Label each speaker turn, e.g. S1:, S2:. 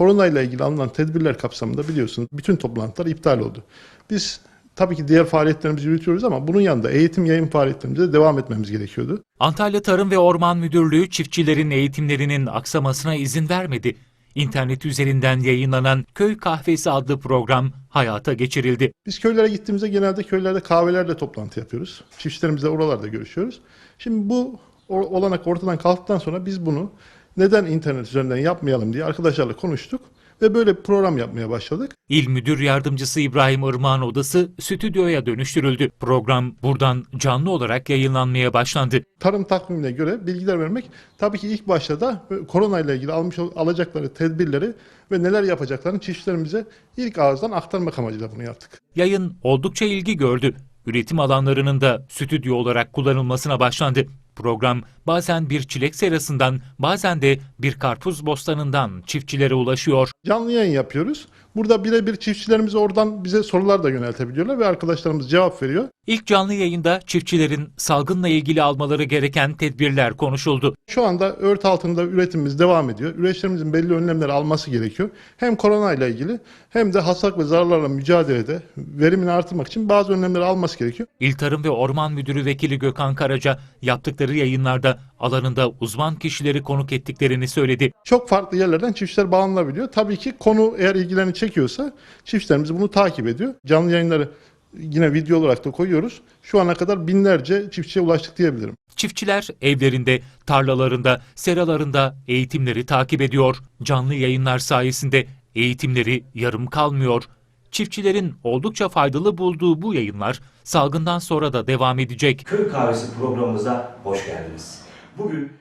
S1: koronayla ilgili alınan tedbirler kapsamında biliyorsunuz bütün toplantılar iptal oldu. Biz tabii ki diğer faaliyetlerimizi yürütüyoruz ama bunun yanında eğitim yayın faaliyetlerimize de devam etmemiz gerekiyordu.
S2: Antalya Tarım ve Orman Müdürlüğü çiftçilerin eğitimlerinin aksamasına izin vermedi. İnternet üzerinden yayınlanan Köy Kahvesi adlı program hayata geçirildi.
S1: Biz köylere gittiğimizde genelde köylerde kahvelerle toplantı yapıyoruz. Çiftçilerimizle oralarda görüşüyoruz. Şimdi bu olanak ortadan kalktıktan sonra biz bunu neden internet üzerinden yapmayalım diye arkadaşlarla konuştuk ve böyle bir program yapmaya başladık.
S2: İl Müdür Yardımcısı İbrahim Irmak'ın odası stüdyoya dönüştürüldü. Program buradan canlı olarak yayınlanmaya başlandı.
S1: Tarım takvimine göre bilgiler vermek tabii ki ilk başta da koronayla ilgili alacakları tedbirleri ve neler yapacaklarını çiftçilerimize ilk ağızdan aktarmak amacıyla bunu yaptık.
S2: Yayın oldukça ilgi gördü. Üretim alanlarının da stüdyo olarak kullanılmasına başlandı. Program bazen bir çilek serasından, bazen de bir karpuz bostanından çiftçilere ulaşıyor.
S1: Canlı yayın yapıyoruz. Burada birebir çiftçilerimiz oradan bize sorular da yöneltebiliyorlar ve arkadaşlarımız cevap veriyor.
S2: İlk canlı yayında çiftçilerin salgınla ilgili almaları gereken tedbirler konuşuldu.
S1: Şu anda örtü altında üretimimiz devam ediyor. Üreticilerimizin belli önlemleri alması gerekiyor. Hem koronayla ilgili hem de hastalık ve zararlarla mücadelede verimini artırmak için bazı önlemleri alması gerekiyor.
S2: İl Tarım ve Orman Müdürü Vekili Gökhan Karaca yaptıkları yayınlarda alanında uzman kişileri konuk ettiklerini söyledi.
S1: Çok farklı yerlerden çiftçiler bağlanabiliyor. Tabii ki konu eğer ilgilerini çekiyorsa çiftçilerimiz bunu takip ediyor. Canlı yayınları yine video olarak da koyuyoruz. Şu ana kadar binlerce çiftçiye ulaştık diyebilirim.
S2: Çiftçiler evlerinde, tarlalarında, seralarında eğitimleri takip ediyor. Canlı yayınlar sayesinde eğitimleri yarım kalmıyor. Çiftçilerin oldukça faydalı bulduğu bu yayınlar salgından sonra da devam edecek.
S3: Köy Kahvesi programımıza hoş geldiniz. Bugün